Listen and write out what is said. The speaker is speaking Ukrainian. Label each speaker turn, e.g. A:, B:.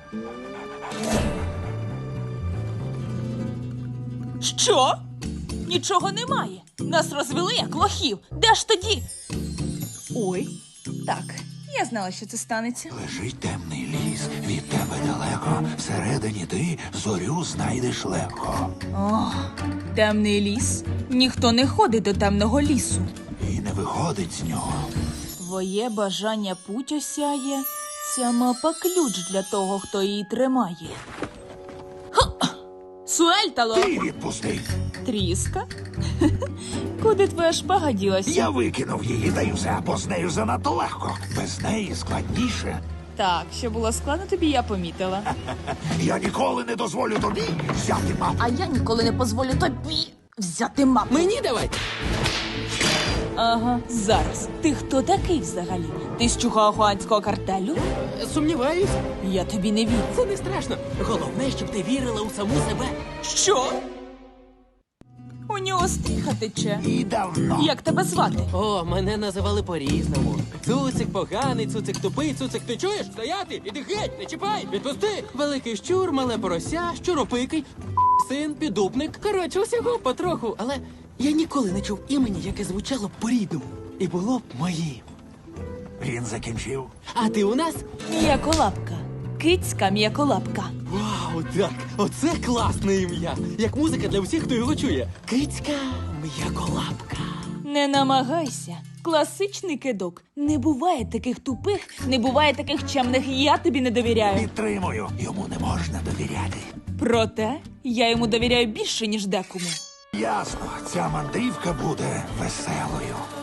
A: Що? Нічого немає. Нас розвели як лохів. Де ж тоді? Ой, так, я знала, що це станеться.
B: Лежить темний ліс, від тебе далеко. Всередині ти зорю знайдеш легко.
A: О, темний ліс. Ніхто не ходить до темного лісу.
B: І не виходить з нього.
A: Твоє бажання путь осяє. Ця мапа ключ для того, хто її тримає. Ха! Суельтало!
B: Ти відпусти.
A: Тріска? Куди твоя шпага ділася?
B: Я викинув її, та й все, бо з нею занадто легко. Без неї складніше.
A: Так, що було складно, тобі я помітила.
B: Я ніколи не дозволю тобі взяти мапу.
A: А я ніколи не дозволю тобі взяти мапу.
C: Мені давай.
A: Ага, зараз. Ти хто такий взагалі? Ти з чухоахуанського картелю?
C: Сумніваюсь.
A: Я тобі не вірю.
C: Це не страшно. Головне, щоб ти вірила у саму себе.
A: Що? У нього стріха тече.
B: І давно.
A: Як тебе звати?
C: О, мене називали по-різному. Цуцик поганий, цуцик тупий, цуцик ти чуєш? Стояти! Іди геть! Не чіпай! Відпусти! Великий щур, мале порося, щуропикий, син, підупник. Коротше, усього потроху, але я ніколи не чув імені, яке звучало б по-рідному. І було б моїм.
B: Він закінчив.
C: А ти у нас?
A: М'яколапка. Кицька м'яколапка.
C: Вау, так! Оце класне ім'я! Як музика для всіх, хто його чує. Кицька м'яколапка.
A: Не намагайся. Класичний кидок. Не буває таких тупих, не буває таких чемних. Я тобі не довіряю.
B: Підтримую. Йому не можна довіряти.
A: Проте я йому довіряю більше, ніж декому.
B: Ясно, ця мандрівка буде веселою.